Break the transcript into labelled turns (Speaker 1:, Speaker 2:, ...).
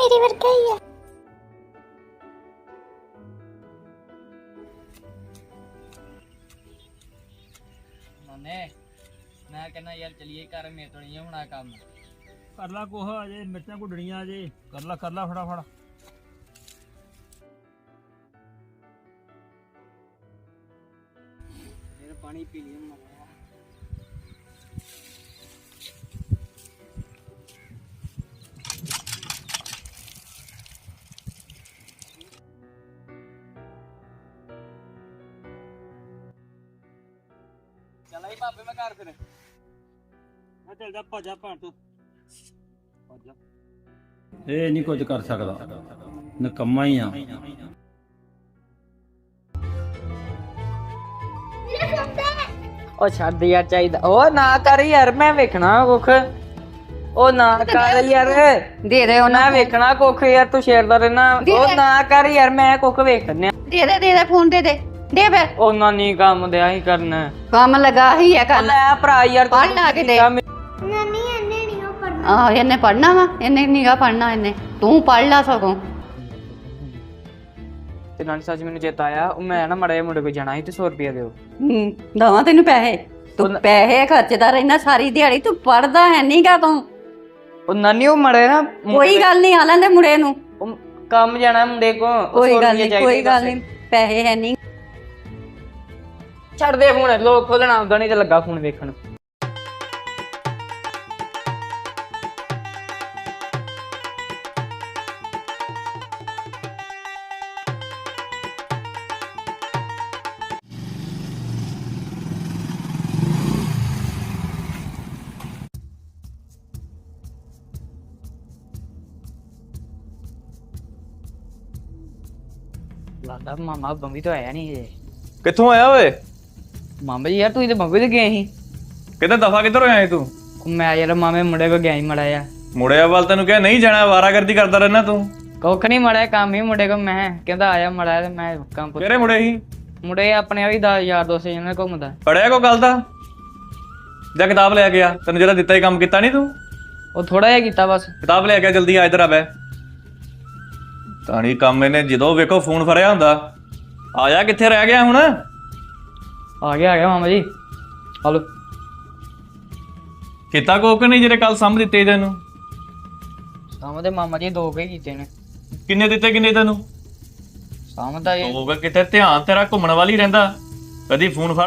Speaker 1: ਮੇਰੇ ਵਰਗਾ ਹੀ ਆ।
Speaker 2: ਨਾਨੇ ਮੈਂ ਕਹਿੰਦਾ ਯਾਰ ਚਲੀਏ ਘਰ, ਮੇਰੇ ਤੋਂ ਨਹੀਂ ਹੋਣਾ ਕੰਮ।
Speaker 3: ਕਰ ਲਾ ਕੋਹ ਅਜੇ ਮਿਰਚਾਂ ਘੁੱਟਣੀਆਂ ਅਜੇ, ਕਰ ਲਾ ਫਟਾਫਟ।
Speaker 2: ਫਿਰ ਪਾਣੀ ਪੀ ਲਿਆ ਮਰਿਆ। ਚੱਲ ਆਈ ਭਾਪੇ ਮੈਂ ਘਰ ਫਿਰ।
Speaker 3: ਮੈਂ ਚੱਲਦਾ ਭੱਜਾ ਭਾਂ ਤੂੰ ਭੱਜਾ। ਇਹ ਨਹੀਂ ਕੁਝ ਕਰ ਸਕਦਾ, ਨਕੰਮਾ ਹੀ ਆ।
Speaker 2: ਉਹ ਛੱਡ ਯਾਰ, ਚਾਹੀਦਾ ਉਹ ਨਾ ਕਰ ਯਾਰ, ਮੈਂ ਵੇਖਣਾ ਕੁੱਖ। ਉਹ ਨਾ ਕਰ ਯਾਰ,
Speaker 4: ਦੇ ਦੇ ਉਹਨਾਂ
Speaker 2: ਮੈਂ ਵੇਖਣਾ ਕੁੱਖ ਯਾਰ, ਤੂੰ ਛੇੜਦਾ ਰਹਿਣਾ। ਉਹ ਨਾ ਕਰ ਯਾਰ, ਮੈਂ ਕੁੱਖ ਵੇਖਣਿਆ।
Speaker 4: ਦੇ ਫੋਨ ਦੇ ਫਿਰ।
Speaker 2: ਉਹਨਾਂ ਨਹੀਂ ਕੰਮ ਦਿਆ ਹੀ ਕਰਨਾ।
Speaker 4: ਕੰਮ ਲਗਾ ਹੀ ਹੈ ਕਰਨ।
Speaker 2: ਲੈ ਭਰਾ ਯਾਰ,
Speaker 4: ਪੜ੍ਹ ਲਾ ਕੇ ਦੇ।
Speaker 1: ਨਾਨੀ ਇਹਨੇ ਨਹੀਂ ਉਹ ਪੜਨਾ।
Speaker 4: ਆਹ ਇਹਨੇ ਪੜਨਾ ਵਾ, ਇਹਨੇ ਨੀਗਾ ਪੜਨਾ, ਇਹਨੇ ਤੂੰ ਪੜ ਲਾ ਸਗੋਂ।
Speaker 2: ਤੇ ਨਾਲ ਸੱਚ ਮੈਨੂੰ ਚੇਤਾ ਆਇਆ, ਉਹ ਮੈਂ ਨਾ ਮੜੇ ਮੁੰਡੇ ਕੋਲ ਜਾਣਾ ਸੀ ਤੇ 100 ਰੁਪਇਆ ਦਿਓ।
Speaker 4: ਦਵਾਂ ਤੈਨੂੰ ਪੈਸੇ, ਤੂੰ ਪੈਸੇ ਖਰਚਦਾ ਰਹਿਣਾ ਸਾਰੀ ਦਿਹਾੜੀ, ਤੂੰ ਪੜਦਾ ਹੈ ਨਹੀਂਗਾ ਤੂੰ।
Speaker 2: ਉਹ ਨਾਨੀ ਉਹ ਮੜੇ ਨਾ,
Speaker 4: ਕੋਈ ਗੱਲ ਨਹੀਂ, ਆ ਲੈਂਦੇ ਮੁੰਡੇ ਨੂੰ।
Speaker 2: ਉਹ ਕੰਮ ਜਾਣਾ ਮੁੰਡੇ ਕੋ।
Speaker 4: ਕੋਈ ਗੱਲ ਨਹੀਂ, ਪੈਸੇ ਹੈ ਨਹੀਂ।
Speaker 2: ਛੱਡ ਦੇ ਫੋਨ, ਲੋਕ ਖੋਲਣਾ ਆਉਂਦਾ ਨਹੀਂ ਤੇ ਲੱਗਾ ਫੋਨ ਵੇਖਣ। ਲੱਗਦਾ ਮਾਮਾ ਬੰਬੀ ਤੋਂ ਆਇਆ ਨਹੀਂ ਜੇ।
Speaker 5: ਕਿੱਥੋਂ ਆਇਆ ਓਏ?
Speaker 2: ਮਾਮਾ ਜੀ ਯਾਰ, ਤੂੰ ਤੇ ਬੰਬੀ ਤੇ ਗਏ ਸੀ।
Speaker 5: ਕਿਤੇ ਦਫਾ ਕਿੱਧਰ ਹੋਇਆ ਏ ਤੂੰ?
Speaker 2: ਮੈਂ ਯਾਰ ਮਾਮੇ ਮੁੰਡੇ ਕੋ ਗਿਆ ਹੀ ਮੜਾ ਆ।
Speaker 5: ਮੁੜਿਆ ਵੱਲ ਤੈਨੂੰ ਕਿਹਾ ਨਹੀਂ ਜਾਣਾ, ਵਾਰਾਗਰਦੀ ਕਰਦਾ ਰਹਿਣਾ ਤੂੰ।
Speaker 2: ਕੁੱਖ ਨਹੀਂ ਮੜਿਆ, ਕੰਮ ਹੀ ਮੁੰਡੇ ਕੋ। ਮੈਂ ਕਹਿੰਦਾ ਆਇਆ ਮੜਾ ਤੇ ਮੈਂ ਕੰਮ ਪੁੱਛ।
Speaker 5: ਕਿਹੜੇ ਮੁੰਡੇ ਸੀ?
Speaker 2: ਮੁੰਡੇ ਆਪਣੇ ਆ ਵੀ 10 ਯਾਰ ਦੋਸਤ ਜਿਹਨਾਂ ਨਾਲ ਘੁੰਮਦਾ।
Speaker 5: ਪੜਿਆ ਕੋ ਗੱਲ ਦਾ? ਜਾਂ ਕਿਤਾਬ ਲੈ ਕੇ ਆ, ਤੈਨੂੰ ਜਿਹੜਾ ਦਿੱਤਾ ਹੀ ਕੰਮ ਕੀਤਾ ਨਹੀਂ ਤੂੰ?
Speaker 2: ਉਹ ਥੋੜਾ ਜਿਹਾ ਕੀਤਾ ਬਸ।
Speaker 5: ਕਿਤਾਬ ਲੈ ਕੇ ਆ ਜਲਦੀ, ਆ ਇੱਧਰ ਆ ਬੈ। ਤਾਣੀ ਕੰਮ ਇਹਨੇ ਜਦੋਂ ਵੇਖੋ ਫੋਨ ਫੜਿਆ ਹੁੰਦਾ। ਆਇਆ ਕਿੱਥੇ ਰਹਿ ਗਿਆ ਹੁਣ?
Speaker 2: ਆ ਗਿਆ ਮਾਮਾ ਜੀ। ਹਲੋ
Speaker 5: ਕੀਤਾ ਕੋਕ ਨਹੀਂ ਜਿਹੜੇ ਕੱਲ ਸਾਂਭ ਦਿੱਤੇ ਤੈਨੂੰ?
Speaker 2: ਸਾਮ ਦੇ ਮਾਮਾ ਜੀ 2 ਕੇ ਕੀਤੇ ਨੇ।
Speaker 5: ਕਿੰਨੇ ਦਿੱਤੇ, ਕਿੰਨੇ ਤੈਨੂੰ?
Speaker 2: ਸਾਮ ਦਾ ਇਹ
Speaker 5: ਹੋਗਾ ਕਿਤੇ ਧਿਆਨ ਤੇਰਾ ਘੁੰਮਣ ਵਾਲੀ ਰਹਿੰਦਾ, ਕਦੀ ਫੋਨ ਫੜ